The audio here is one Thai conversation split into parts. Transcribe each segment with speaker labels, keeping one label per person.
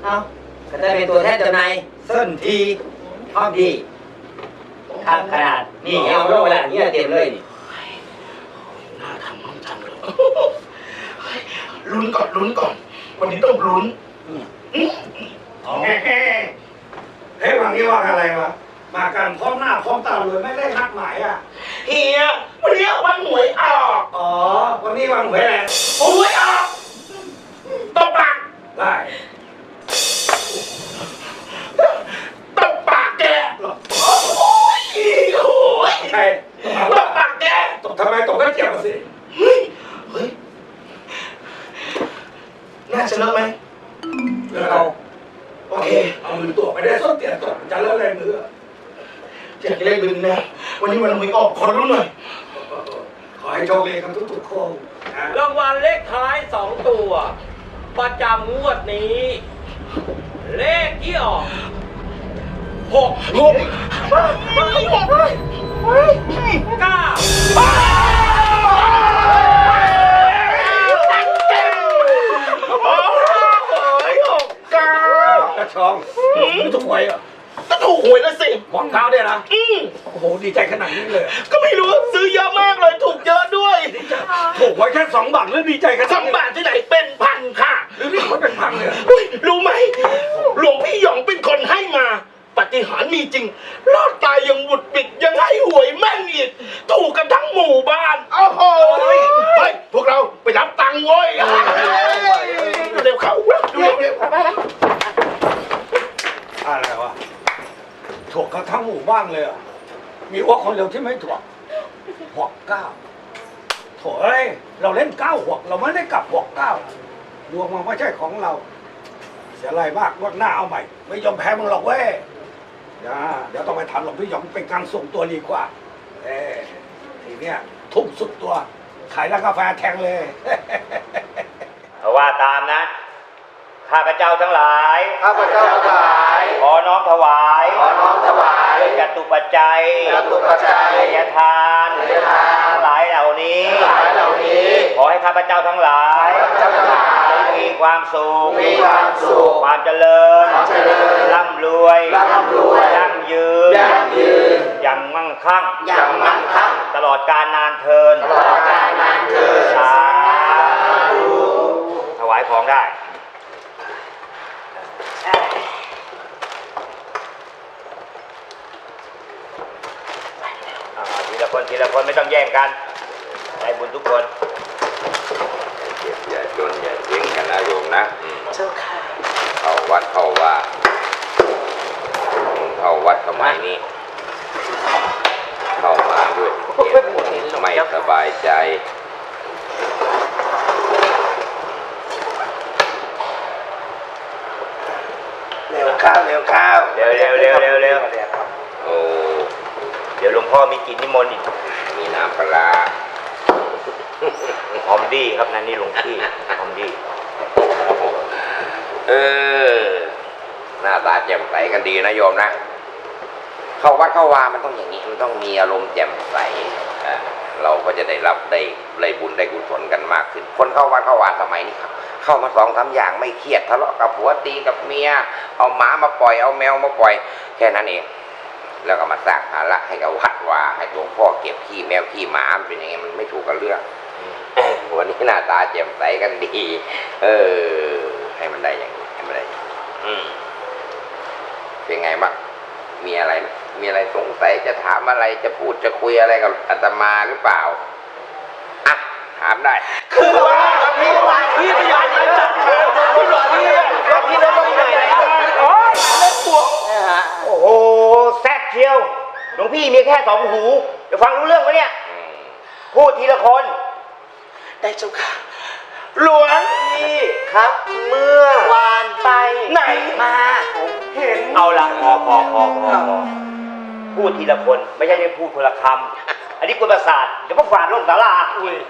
Speaker 1: เอาก็ได้เป็นตัวแทนจำหน่ายเส้นทีพร้อมดีทางขนาดนี่เอาลงไปละนี่เต็มเลยนี่
Speaker 2: น่าทำน้องจังเลยลุ้นก่อนวันนี้ต้องลุ้นเฮ้ยวันนี้ว่าอะไรวะมากันพร้อมหน้าพร้อมตาเลยไม่ได้นัดหมายอ่ะเฮียวันนี้วันหวยออกอ๋อวันนี้วันหวยอะไรหวยออกตบปากได้ตบปากแกโอ้ยใช่ตบปากแกตบทำไมตบก็เจ็บสิเฮ้ยน่าจะเลิกไหมเลิกเอาโอเคเอามือตัวไปได้ส้นเตียนตบจะเลิกอะไรมืออยากเล่นดึงนะวันนี้วันหวยออกขอรู้หน่อยขอให้โชคดีกันทุกๆคน
Speaker 3: รางวัลเลขท้าย2 ตัวประจำงวดนี้ เลขที่ออก
Speaker 2: กระชองไม่ถูกหวยอ่ะก็ถูกหวยแล้วสิหวังเท้าเนี่ยนะโอ้โหดีใจขนาดนี้เลยก็ไม่รู้ซื้อเยอะมากเลยถูกเยอะด้วยถูกไว้แค่2 บาทแล้วดีใจกัน2 บาทที่ไหนเป็นพันค่ะหรือนี่มันเป็นพันเลยรู้ไหมหลวงพี่หยองเป็นคนให้มาปาฏิหาริย์มีจริงรอดตายยังบุดบิดยังให้หวยแม่นอีกถูกกันทั้งหมู่บ้านโอ้โหเฮ้ยพวกเราไปรับตังค์เว้ยเร็วเข้าเร็วอะไรวะถูกกันทั้งหมู่บ้านเลยอ่ะมีว่าคนเดียวที่ไม่ถูกหกเก้าโถ่เอ้ยเราเล่น9 เราไม่ได้กลับ6 9ดวงมันไม่ใช่ของเราเสียไรมากว่าหน้าเอาใหม่ไม่ยอมแพ้มึงหรอกเว้ยเดี๋ยวต้องไปถามหลวงพี่หยองเป็นการส่งตัวดีกว่าทีเนี้ยทุ่มสุดตัวขายร้านกาแฟแทงเลย
Speaker 3: ว่าตามนะข้าพเจ้าทั้งหลายขอน้อมถวายจตุปัจจัยทายทานหลายเหล่านี้ขอให้ข้าพเจ้าทั้งหลายมีความสุขความเจริญร่ำรวยยั่งยืนอย่างมั่งคั่งตลอดกาลนานเทินสาธุถวายของได้ทีละคนไม่ต้องแย่งกันได้บุญทุกคน
Speaker 4: อย่าจนอย่าเจ๊งกันนะโยมนะ
Speaker 5: เจ้าค่ะ
Speaker 4: เข้าวัดเข้าว่าเข้าวัดสมัยนี้เข้ามาด้วยไม่สบายใจ
Speaker 2: เร็วข้าวเร็ว
Speaker 4: โอ้
Speaker 3: เดี๋ยวหลวงพ่อมีกินนิมนต์อีก
Speaker 4: มีน้ำปลา
Speaker 3: หอมดีครับนั่นนี่หลวงพี่หอมดี
Speaker 4: หน้าตาแจ่มใสกันดีนะโยมนะเข้าวัดเข้าวามันต้องอย่างนี้มันต้องมีอารมณ์แจ่มใสเราก็จะได้รับได้บุญได้กุศลกันมากขึ้นคนเข้าวัดเข้าวาสมัยนี้ครับเข้ามา2-3อย่างไม่เครียดทะเลาะกับผัวตีกับเมียเอาหมามาปล่อยเอาแมวมาปล่อยแค่นั้นเองแล้วก็มาสร้างภาระให้กับวัดว่าให้หลวงพ่อเก็บขี้แมวขี้หมาเป็นยังไงมันไม่ถูกกับเรื่องวันนี้หน้าตาแจ่มใสกันดีให้มันได้อย่างนี้ให้มันได้เป็นไงบ้างมีอะไรไหมมีอะไรสงสัยจะถามอะไรจะพูดจะคุยอะไรกับอาตมาหรือเปล่าอ่ะถามได้
Speaker 2: คือว่าพี่พยานจับขาพี่หลวงพี่ได้ต้องไหนโอ้ยเล่นปวก
Speaker 3: โอ้โหแซ่บเชียวหลวงพี่มีแค่2 หูจะฟังรู้เรื่องไหมเนี่ยพูดทีละคน
Speaker 2: ได้เจ้าค่ะหลวงพี่
Speaker 3: ครับเมื่อ
Speaker 2: วานไปไหน
Speaker 3: มา
Speaker 2: ผมเห็น
Speaker 3: เอาละพอพูดทีละคนไม่ใช่ได้พูดคนละคำอันนี้กวนประสาทเดี๋ยวพวกฝาดลงศาลา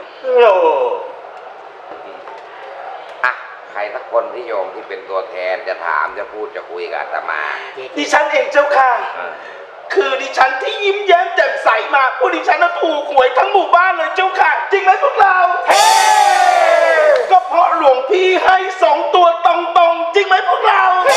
Speaker 4: อ่ะใครสักคนที่โยมที่เป็นตัวแทนจะถามจะพูดจะคุยกับอาตมา
Speaker 2: ดิฉันเองเจ้าค่ะคือดิฉันที่ยิ้มแย้มแจ่มใสมาพวกดิฉันน่ะถูกหวยทั้งหมู่บ้านเลยเจ้าค่ะจริงไหมพวกเราก็เพราะหลวงพี่ให้2 ตัวตรงๆจริงไหมพวกเรา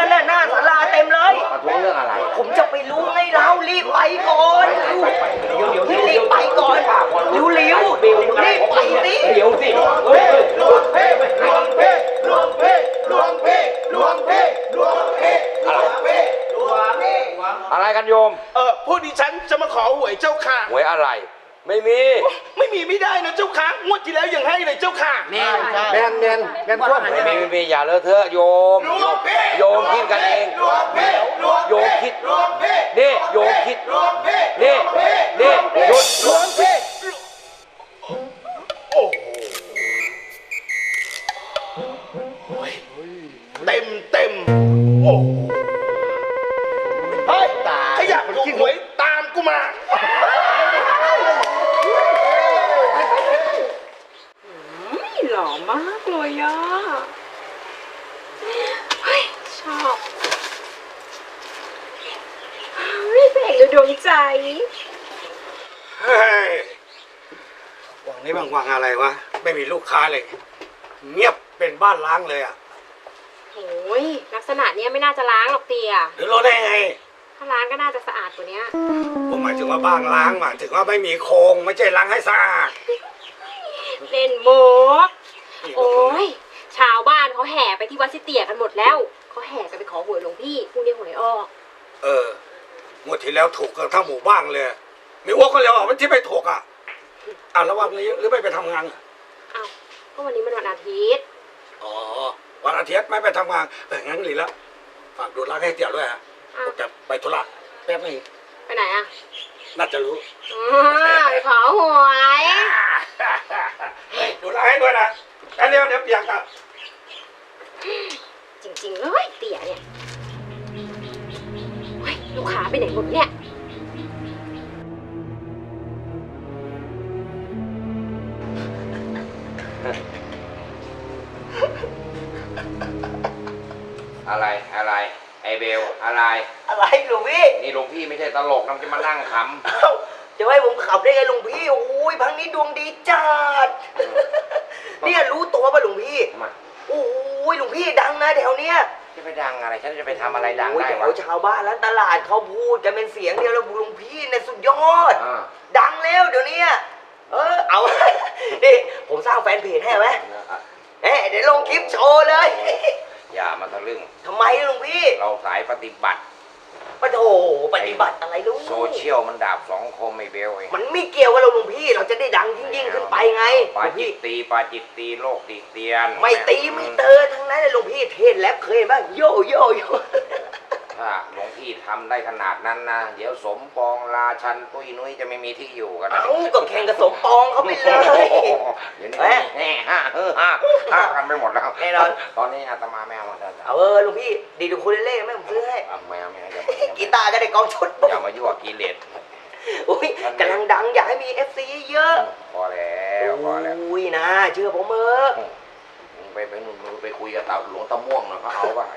Speaker 2: ที่แล้วยังให้เลยเจ้าค่ะ
Speaker 1: แม่น
Speaker 5: แมนแมนแมนพวก
Speaker 4: ไม่อย่าเลอะเทอะโยม โยมคิดกันเอง โยมคิด นี่โยมคิด นี่หยุด
Speaker 2: หลวงพี่โอ้โหเต็มโอ้โหเฮ้ยถ้าอยากถูกหวยตามกูมา
Speaker 6: หล่อมากเลยอ่ะเฮ้ยชอบเฮ้ยพระเอกในดวงใจ
Speaker 2: เฮ้ยวังนี้บางอะไรวะ ไม่มีลูกค้าเลย เงียบเป็นบ้านล้างเลยอ่ะ
Speaker 6: โอ้ยลักษณะเนี้ยไม่น่าจะล้างหรอกเตีย
Speaker 2: หรือรู้ได้ไง
Speaker 6: ถ้าล้างก็น่าจะสะอาดกว่านี้
Speaker 2: ผมหมายถึงว่าบ้านล้างหมายถึงว่าไม่มีโครงไม่ใช่ล้างให้สะอาด
Speaker 6: เล่นโมกโอ้ยชาวบ้านเขาแห่ไปที่วัดสิเตียกันหมดแล้วเขาแห่กันไปขอหวยหลวงพี่พรุ่งนี้หวยออก
Speaker 2: งวดที่แล้วถูกกันทั้งหมู่บ้านเลย มีอ้วกคนเดียวอ่ะมันที่ไม่ถูกอ่ะแล้ววันนี้หรือไม่ไปทำงาน
Speaker 6: อ้าวก็วันนี้มันวันอาทิตย์
Speaker 2: อ๋อวันอาทิตย์ไม่ไปทำงานงั้นหลีแล้วฝากดูร้านให้เตี๋ยวด้วยฮะผมจะไปธุระแป๊บนึง
Speaker 6: ไปไหนอ่ะ
Speaker 2: น่าจะรู้
Speaker 6: ไปขอหวย
Speaker 2: ดูร้านให้ด้วยนะแล้วเดี๋ยวเปียกอ่ะ
Speaker 6: จริงๆเลยเตี๋ยเนี่ยเฮ้ยลูกค้าไปไหนหมดเนี่ย
Speaker 4: อะไรไอเบลอะไร
Speaker 1: อะไรหลวงพี่
Speaker 4: นี่หลวงพี่ไม่ใช่ตลกนะจะมานั่งข
Speaker 1: เอ้าจะให้ผมขับได้ไงหลวงพี่โอ้ยพังนี้ดวงดีจัดเนี่ยรู้ตัวป่ะหลวงพี่
Speaker 4: ำทำไม
Speaker 1: โอ้ยหลวงพี่ดังนะแถวเนี้ย
Speaker 4: จะไปดังอะไรฉันจะไปทำอะไรดัง
Speaker 1: โอ้ย
Speaker 4: ได้
Speaker 1: แถ
Speaker 4: วะ
Speaker 1: วชาวบ้านแล้วตลาดเขาพูดกันเป็นเสียงเดียวแล้วหลวงพี่เนี่ยสุดยอด
Speaker 4: อ่า
Speaker 1: ดังแล้วเดี๋ยวนี้เอา นี่ผมสร้างแฟนเพจให้ไหมเดี๋ยวลงคลิปโชว์เลย
Speaker 4: อย่ามาทะลึ่ง
Speaker 1: ทำไมหลวงพี่
Speaker 4: เราสายปฏิบัติ
Speaker 1: ปะโถปฏิบัติอะไรลูก
Speaker 4: โซเชียลมันดาบสองคมไอเบลเอง
Speaker 1: มันไม่เกี่ยวกับเราหลวงพี่ เราจะได้ดังยิ่งขึ้นไปไงห
Speaker 4: ปา
Speaker 1: ลวง
Speaker 4: จิ
Speaker 1: พี่
Speaker 4: ตตีโลกติเตียน
Speaker 1: ไม่ตีไม่เตอทั้งนั้นเลยหลวงพี่เทศแรปเคยเห็นป่ะโยโยโย
Speaker 4: ถ้าหลวงพี่ทำได้ขนาดนั้นนะเดี๋ยวสมปองราชันตุ้ยนุ้ยจะไม่มีที่อยู่กันนะ
Speaker 1: เอ้าก็แข่งกับสมปองเขาไปเลย
Speaker 4: เดี๋ยวนี้แห่ห้ากันไปหมดแล้ว
Speaker 1: แน่นอน
Speaker 4: ตอนนี้อาตมาไม่เอามาแล้ว
Speaker 1: เอาหลวงพี่ดีดูคูเลเล่ไหมผมซื้อให้
Speaker 4: ไม่เอา
Speaker 1: กีตาร์ก็ได้กองชุด
Speaker 4: อย่ามายั่วกิเลส
Speaker 1: อุ้ยกำลังดังอยากให้มี FC เยอะ
Speaker 4: พอแล้วพอแล้ว
Speaker 1: อุ้ยนะเชื่อผมเถอะ
Speaker 4: มึงไปนู่นมึงไปคุยกับหลวงตาม่วงหน่อยเขาเอาป่ะ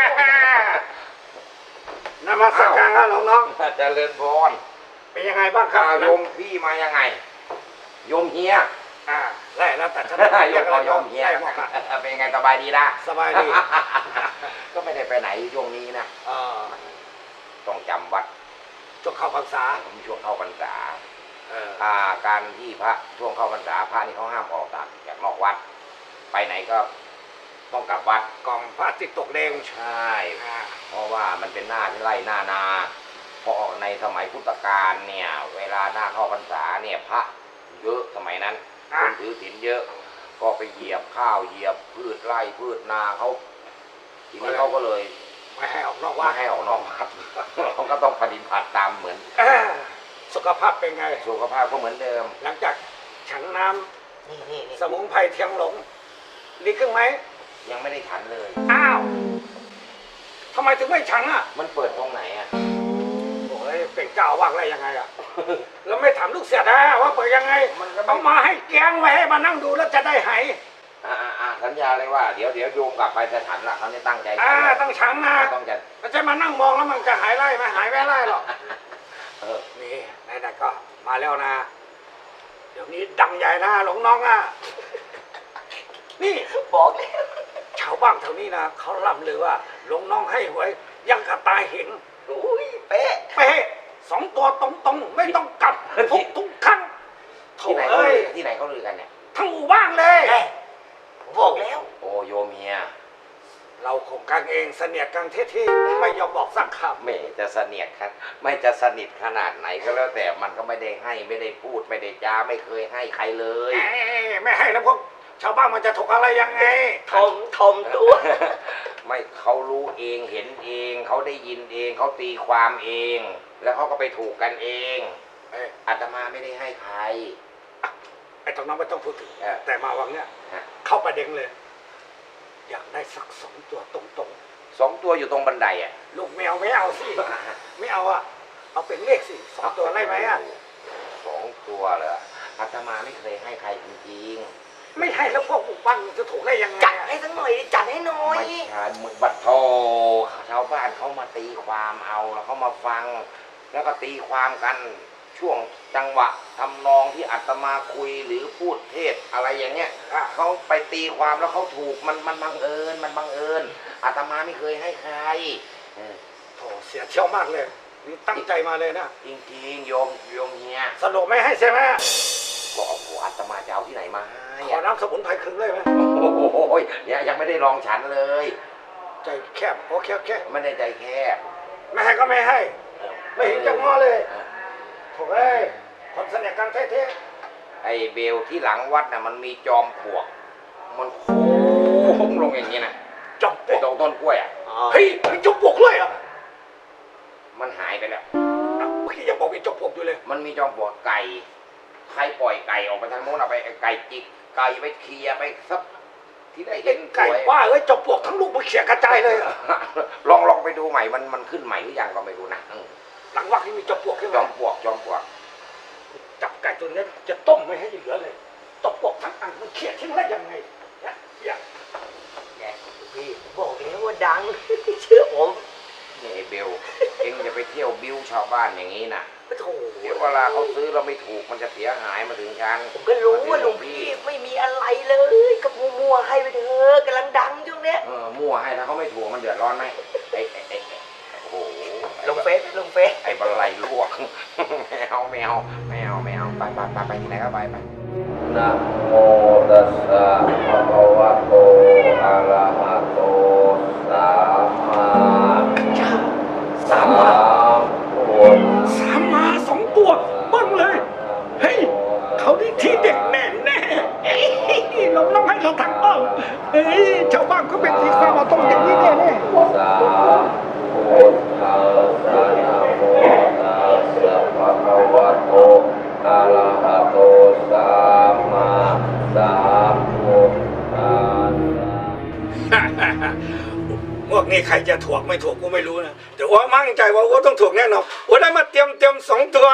Speaker 2: นมัสการครับน้อง
Speaker 4: เจริญพร
Speaker 2: ๆเป็นยังไงบ้างครับ
Speaker 4: โยมพี่มายังไงโยมเฮีย
Speaker 2: ไล่แล้วแต่ฉัน
Speaker 4: โยมเอาโยมเฮีย
Speaker 2: ไล่หมดอะ
Speaker 4: เป็นไงสบายดีนะ
Speaker 2: สบายดี
Speaker 4: ก็ไม่ได้ไปไหนช่วงนี้นะ ต้องจำวัด
Speaker 2: ช่วงเข้าพรรษา
Speaker 4: ผมช่วงเข้าพรรษา
Speaker 2: เออ
Speaker 4: การที่พระช่วงเข้าพรรษาพระนี่เขาห้ามออกจากนอกวัด ไปไหนก็ต้องกลับวัด
Speaker 2: กองพระอาทิตย์ตกแดง
Speaker 4: ใช่ เพราะว่ามันเป็นหน้าที่ไร่หน้านาเพราะในสมัยพุทธกาลเนี่ย เวลาหน้าเข้าพรรษาเนี่ยพระเยอะสมัยนั้นคนถือศีลเยอะ ก็ไปเหยียบข้าวเหยียบพืชไร่พืชนาเขาทีนี้เขาก็เลย
Speaker 2: ไม่ให้ออกนอก
Speaker 4: ว่า
Speaker 2: วัด
Speaker 4: ให้ออกนอกวัด เขาก็ต้องปฏิบัติตามเหมือน
Speaker 2: สุขภาพเป็นไง
Speaker 4: สุขภาพก็เหมือนเดิม
Speaker 2: หลังจากฉันน้
Speaker 1: นี่
Speaker 2: ำสมุนไพรเทียงหลงดีขึ้นไหม
Speaker 4: ยังไม่ได้ฉันเลย
Speaker 2: อ้าวทำไมถึงไม่ฉันอ่ะ
Speaker 4: มันเปิดตรงไหนอ่ะ
Speaker 2: โอ้ยเป็นเจ้าว่างอะไรยังไงอ่ะ แล้วไม่ถามลูกเสียนะว่าเปิดยังไง
Speaker 4: มันก็ไม่
Speaker 2: เอามาให้แกงไว้ให้มานั่งดูแล้วจะได้หาย
Speaker 4: สัญญาเลยว่าเดี๋ยวโยมกลับไปจะฉันละเขาจะตั้งใจฉันละ
Speaker 2: ต้องฉันนะ
Speaker 4: ต้องจะ
Speaker 2: ไม่ใช่มานั่งมองแล้วมันจะหายไล่ไหมหายไม่ไล่หรอก
Speaker 4: เออ
Speaker 2: นี่นายก็มาแล้วนะ เดี๋ยวนี้ดังใหญ่นะหลวงน้องอ่ะ นี่
Speaker 1: บอกแล้ว
Speaker 2: ชาวบ้านแถวนี้นะเขาล่ำลือว่าหลวงน้องให้หวยยังกระตายเห็น
Speaker 1: อุ้ยเป๊ะ
Speaker 2: เป๊ะ2 ตัวตรงๆไม่ต้องกลับทุกครั้งโถ่
Speaker 4: ที่ไหนเขาลือกันเนี่ย
Speaker 2: ทั้งหมู่บ้านเลย
Speaker 1: ไงผมบอกแล้ว
Speaker 4: โอ้โยมเฮีย
Speaker 2: เราคงกันเองเสนียดกันที่ไม่ยอมบอกสักคำ
Speaker 4: ไม่จะเสนียดครับไม่จะสนิทขนาดไหนก็แล้วแต่มันก็ไม่ได้ให้ไม่ได้พูดไม่ได้จาไม่เคยให้ใครเลย
Speaker 2: ไม่ให้แล้วพวกชาวบ้านมันจะถกอะไรยังไง
Speaker 1: ทอมตัว
Speaker 4: ไม่เขารู้เองเห็นเองเขาได้ยินเองเขาตีความเอง แล้วเขาก็ไปถูกกันเองอาตมาไม่ได้ให้ใคร
Speaker 2: ไอ้ตรงนั้นไม่ต้องพูดถึง แต่มาวังเนี้ย
Speaker 4: ฮะ
Speaker 2: เข้าประเด็นเลย อยากได้สัก2 ตัวตรง
Speaker 4: 2 ตัวอยู่ตรงบันไดอ่ะ
Speaker 2: ๆลูกแมวไม่เอาสิไม่เอาอ่ะเอาเป็นเลขสิ2 ตัวได้ไหมอ่ะ
Speaker 4: 2 ตัวเหรออาตมาไม่เคยให้ใครจริง
Speaker 2: ไม่ให้แล้วพวกบุกบ้านจะถูกได้ยังไง
Speaker 1: จัดให้สักหน่อยดิจัดให้หน่อ
Speaker 4: ๆ
Speaker 1: ย
Speaker 4: ไม่ใช่มึงบัดโทชาวบ้านเขามาตีความเอาแล้วเขามาฟัง แล้วก็ตีความกันช่วงจังหวะทำนองที่อาตมาคุยหรือพูดเทศอะไรอย่างเงี้ยเขาไปตีความแล้วเขาถูกมันบังเอิญอาตมาไม่เคยให้ใคร
Speaker 2: โถเสียเที่ยวมากเลยนี่ตั้งใจมาเลยนะ
Speaker 4: จริงๆโยมเฮีย
Speaker 2: สรุปไม่ให้ใช่ไหม
Speaker 4: ก็โอ้โหอาตมาจะเอาที่ไหนมาให้
Speaker 2: ขอน้ำสมุนไพรครึ่งเลยไหม
Speaker 4: โอ้โหเนี่ยยังไม่ได้ลองฉันเลย
Speaker 2: ใจแคบโอเคโอเค
Speaker 4: ไม่ได้ใจแคบ
Speaker 2: ไม่ให้ก็ไม่ให้ ไม่เห็นจะง้อเลยโถ่เอ้ยคนเสน่ห์กันเท่
Speaker 4: ไอ้เบลที่หลังวัดน่ะมันมีจอมปลวก มันโค้งลงอย่างนี้นะ
Speaker 2: ๆจบ
Speaker 4: ไอ้ตรงต้นกล้วยอ่ะ
Speaker 2: เฮ้ยมีจบปลวกเลยเหรอ่ะ
Speaker 4: มันหายไปแล้ว
Speaker 2: พี่ยังบอกมีจบปลวกอยู่เลย
Speaker 4: มันมีจอมปลวกไก่ใครปล่อยไก่ออกไปทางโน้นเอาไปไก่จิกไก่ไปเคลียร์ไปซับที่ได้เห็น
Speaker 2: ไก่ว่าเอ้ยจบปลวกทั้งลูกมันเขี่ยกระจายเลยอะ
Speaker 4: ลองไปดูใหม่มันขึ้นใหม่หรือยังก็ไม่รู้นะ
Speaker 2: หลังวักที่มีจบปลวกใช่ไหม
Speaker 4: จอมปลวก
Speaker 2: จับไก่ตัวนี้จะต้มไม่ให้เหลือเลยจบปลวกทั้งอันมันเขี่ยทิ้งได้ยังไงเนี่ยอย่าง
Speaker 1: พี่บอกแล้วว่าดัง เชื่อผม
Speaker 4: นี่ไอ้เบลเอ็งอย่าไปเที่ยวบิ้วชาวบ้านอย่างนี้นะ
Speaker 1: โถ่
Speaker 4: เดี๋ยวเวลาเขาซื้อเราไม่ถูกมันจะเสียหายมาถึงฉัน
Speaker 1: ผมก็รู้ว่าหลวงพี่ไม่มีอะไรเลยก็มัวๆให้ไปเถอะกำลังดังช่วงเนี้ย
Speaker 4: มั่วให้ถ้าเขาไม่ถูกมันเดือดร้อนไหมไอ้โอ้โห
Speaker 1: ลงเฟซ
Speaker 4: ไอ้บันไลลวก ไม่เอาไปที่ไหนก็ไปนะโมตัสสะภะคะวะโตอะระหะโตสัมมาพุทธ
Speaker 2: สามมา2 ตัวบ้างเลยเฮ้ยเขาได้ที่เด็กแน่เอ้ยเราต้องให้เขาทั้งอ้อมเฮ้ยชาวบ้านก็เป็นที่ความมาต้องอย่างนี้แน่
Speaker 4: สาพุทธัสสะนะโมตัสสะภะคะวะโตอะระหะโตสัมมาสัมพุทธัสสะ
Speaker 2: พวกนี้ใครจะถูกไม่ถูกกูไม่รู้นะแต่ว่ามั่นใจว่าว่าต้องถูกแน่นอนว่าได้มาเตรียม2 ตัว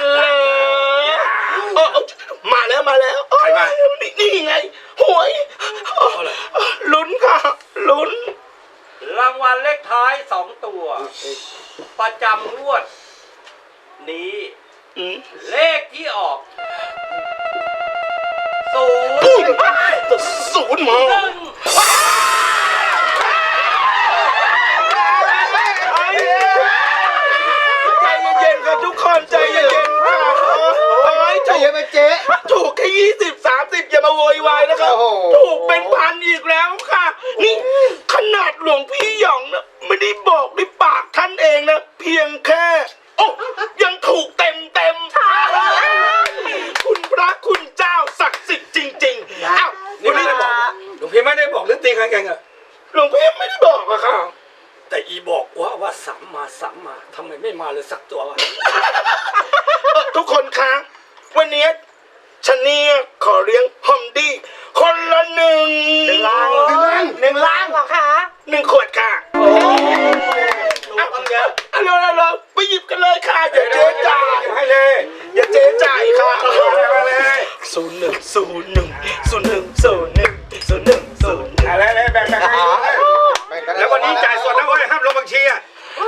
Speaker 5: มาแล้ว
Speaker 2: ใครมา
Speaker 5: นี่ไงหวยลุ้นค่ะลุ้น
Speaker 7: รางวัลเลขท้าย 2 ตัว ประจำงวด นี้เลขที่ออก
Speaker 5: ศูนย์มา ใจเย็นๆครับทุกคนใจเย็นๆค่ะ
Speaker 1: ใจเย็นไหมเจ๊
Speaker 5: ถูกแค่20-30อย่ามาโวยวายนะครับถูกเป็นพันอีกแล้วค่ะนี่ขนาดหลวงพี่หยองนะไม่ได้บอกด้วยปากท่านเองนะเพียงแค่โอ้ยังถูกเต็มคุณพระคุณเจ้าศักดิ์สิทธิ์จริงๆอ้าว
Speaker 2: นี่ไม่ได้บอกหลวงพี่ไม่ได้บอกเรื่องตีกันอะ
Speaker 5: หลวงพี่ไม่ได้บอกอะค่ะ
Speaker 2: แต่อีบอกว่าสามมาทำไมไม่มาเลยสักตัววะ
Speaker 5: ทุกคนคะวันนี้ฉันเนี่ยขอเลี้ยงฮอมดี้คนละ1
Speaker 1: ล้านเหรอคะ
Speaker 5: 1 ขวดค่ะเราไปหยิบกันเลยค่ะอย่าเจ๊จ่าย
Speaker 2: ให้เลย
Speaker 5: อย่าเจ๊จ่ายค่ะ
Speaker 2: มาเลย
Speaker 5: 0101010101
Speaker 2: อะไรเลยแบ่งให้แล้ววันนี้จ่ายสดนะเว้ยห้ามลงบัญชีอ่ะ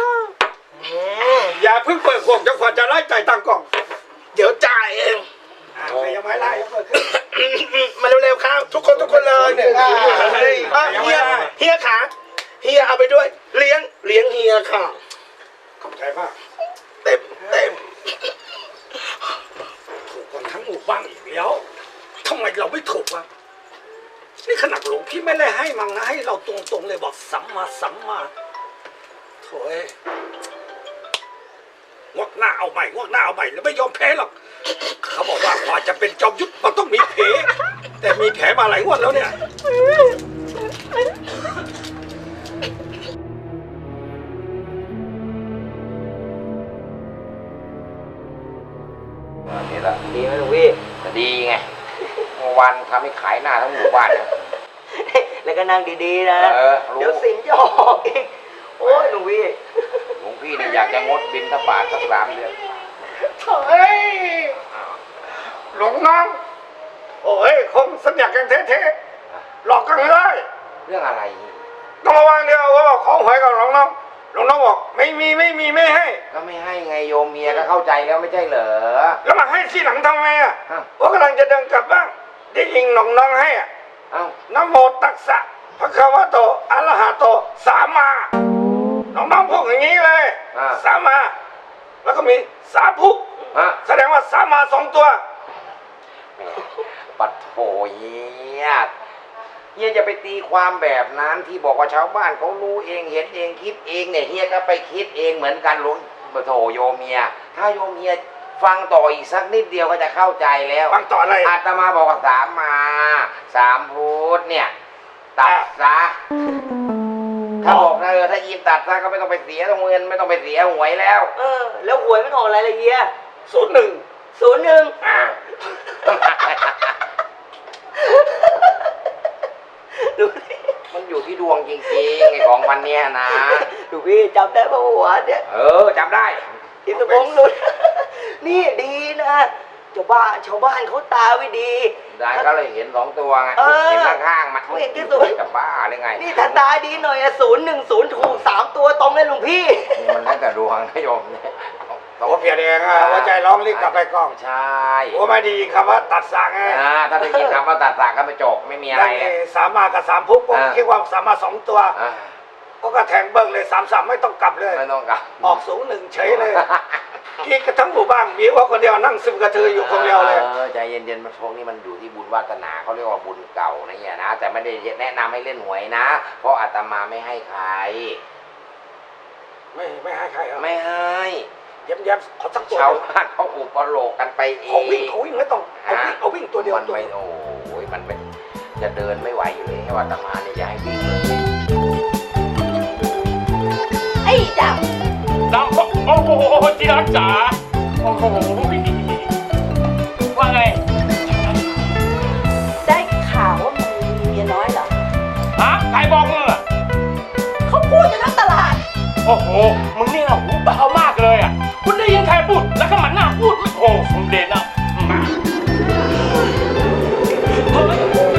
Speaker 2: อย่าเพิ่งเปิดขวดจนกว่าจะไล่จ่ายตังค์กล่อง
Speaker 5: เดี๋ยวจ่ายเอง
Speaker 2: ใครยังไม่ไล่เปิดขึ้น
Speaker 5: มาเร็วๆครับทุกคนเลยเฮียขาเฮียเอาไปด้วยเลี้ยงเฮียค่ะ
Speaker 2: ขอบใจมาก
Speaker 5: เต็ม
Speaker 2: ถูกคนทั้งหมู่บ้านอีกแล้วทำไมเราไม่ถูกวะนี่ขนาดหลวงพี่ไม่ได้ให้มังนะให้เราตรงๆเลยบอกสัมมาสัมมาโถ่งวกหน้าเอาใหม่แล้วไม่ยอมแพ้หรอกเขาบอกว่ากว่าจะเป็นจอมยุทธมันต้องมีแผลแต่มีแผลมาหลายงวดแล้วเนี่ย
Speaker 4: นี่แหละ
Speaker 1: ดีไหมลุงพี่
Speaker 4: จะดีไงเมื่อวานทำให้ขายหน้าทั้งหมู่บ้านนะ
Speaker 1: แล้วก็นั่งดีๆนะ
Speaker 4: รู้
Speaker 1: เดี๋ยวสินจะออกอีกโอ้ยลุงพี่
Speaker 4: หลวงพี่เนี่ยอยากจะงดบิณฑบาตสัก3 เดือน
Speaker 2: เฮ้ยหลวงน้องโอ้ยคงสัญญากันเท่ๆหลอกกันเลย
Speaker 4: เรื่องอะไร
Speaker 2: ต้องระวังเดียวว่าของหวยกับหลวงน้องบอกไม่มีไม่ให้
Speaker 4: ก็ไม่ให้ไงโยมเมียก็เข้าใจแล้วไม่ใช่เหรอ
Speaker 2: แล้วมาให้ที่หลังทำไมอ่ะ
Speaker 4: อ้าว
Speaker 2: ว่ากำลังจะเดินกลับบ้านได้ยิงหลวงน้องให้อ่ะ
Speaker 4: เอ้า
Speaker 2: นะโมตัสสะพระคะวะโตอะระหะโตสัมมาหลวงน้องพูดอย่างนี้เลยสัมมาแล้วก็มีสาธุ
Speaker 4: ฮะ
Speaker 2: แสดงว่าสัมมา2 ตัว
Speaker 4: แหมปัดโถเฮียจะไปตีความแบบนั้นที่บอกว่าชาวบ้านเขารู้เองเห็นเองคิดเองเนี่ยเฮียก็ไปคิดเองเหมือนกันหลวงโถโยมเมียถ้าโยมเมียฟังต่ออีกสักนิดเดียวก็จะเข้าใจแล้ว
Speaker 2: ฟังต่ออะไร
Speaker 4: อาตมาบอกว่า3 พุทธเนี่ยตัดซะถ้าบอกนะถ้าอีมตัดซะก็ไม่ต้องไปเสียเงินไม่ต้องไปเสียหวยแล้ว
Speaker 1: แล้วหวยมันออกอะไรละเฮีย
Speaker 2: 01
Speaker 1: 01
Speaker 4: อ่า
Speaker 1: ดูดิ
Speaker 4: มันอยู่ที่ดวงจริงๆไอ้ของพันเนี้ยนะ
Speaker 1: ดูพี่จำได้ปะหัวเนี่ย
Speaker 4: จำได้
Speaker 1: อินทพงศ์หลุด นี่ดีนะชาวบ้านเขาตาไม่ดี
Speaker 4: ได้ก็เลยเห็น2 ตัวไง เห็นข้างๆมัน
Speaker 1: เขาเห็นที่สุด
Speaker 4: จะบ้าหรือไง
Speaker 1: นี่ถ้าตาดีหน่อย010ถูก3 ตัวตรงเลยหลวงพี่
Speaker 4: นี่มันได้แต่ดวงนะโยมเนี่ย
Speaker 2: ตัวเพียรเองอ่ะหัวใจร้องรีบกลับไปกล้อง
Speaker 4: ใช่
Speaker 2: โอ้ไม่ดีคำว่าตัดสางไง
Speaker 4: ถ้าได้ยินคำว่าตัดสากก็ไปจบไม่มีอะไร
Speaker 2: แล้ว
Speaker 4: เลย
Speaker 2: นี่3 มากับ3 พุกผมคิดว่า3 มา 2 ตัว
Speaker 4: อ่า
Speaker 2: ก็แทงเบิ้งเลย3 ไม่ต้องกลับเลย
Speaker 4: ไม่ต้องกลับ
Speaker 2: ออก01เฉยเลยกินกันทั้งหมู่บ้านมีว่าคนเดียวนั่งซึมกระเทืออยู่คนเดียวเลย
Speaker 4: ใจเย็นๆมันพวกนี้มันอยู่ที่บุญวาสนาเขาเรียกว่าบุญเก่านะเนี่ยนะแต่ไม่ได้แนะนำให้เล่นหวยนะ เพราะอาตมาไม่ให้ใคร
Speaker 2: ไม่ให้ใครเหรอ
Speaker 4: ไม่ให้
Speaker 2: เย้มขอสักตัว
Speaker 4: ชาวบ้านเขาอุปโลกกันไปเอ
Speaker 2: เขา
Speaker 4: ง
Speaker 2: วิ่งไม่ต้องเอาวิ่งตัวเดียว
Speaker 4: มันไม่โอ้ยมันเป็นจะเดินไม่ไหวอยู่เลยให้อาตมาเนี่ยจะให้วิ่งเลย
Speaker 6: ไอ้จับ
Speaker 8: น้ำโอ้โหที่รักจ๋าโอ้โหว่าไง
Speaker 9: ได้ข่าวว่ามึงมีเมียน้อยเหรอ
Speaker 8: ฮะใครบอกมึงอ่ะ
Speaker 9: เขาพูดกันทั้งตลาด
Speaker 8: โอ้โหมึงนี่นะหูเบามากเลยอ่ะคุณได้ยินใครพูดแล้วก็มันหน้าพูดไม่โอ้สมเด็จนะมาเฮ้ย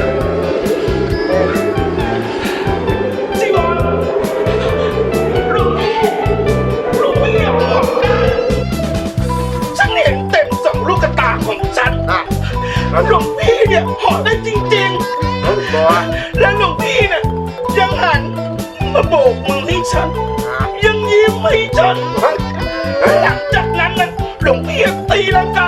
Speaker 8: จีบอลลุงไม่อยากบอกได้
Speaker 5: ฉันเห็นเต็ม2 ลูกตาของฉันหลวงพี่เนี่ยเหาะได้จริงๆ และหลวงพี่เนี่ยยังหันมาโบกมือให้ฉัน ยังยิ้มให้ฉัน หลังจากนั้นนะหลวงพี่ตีลังกา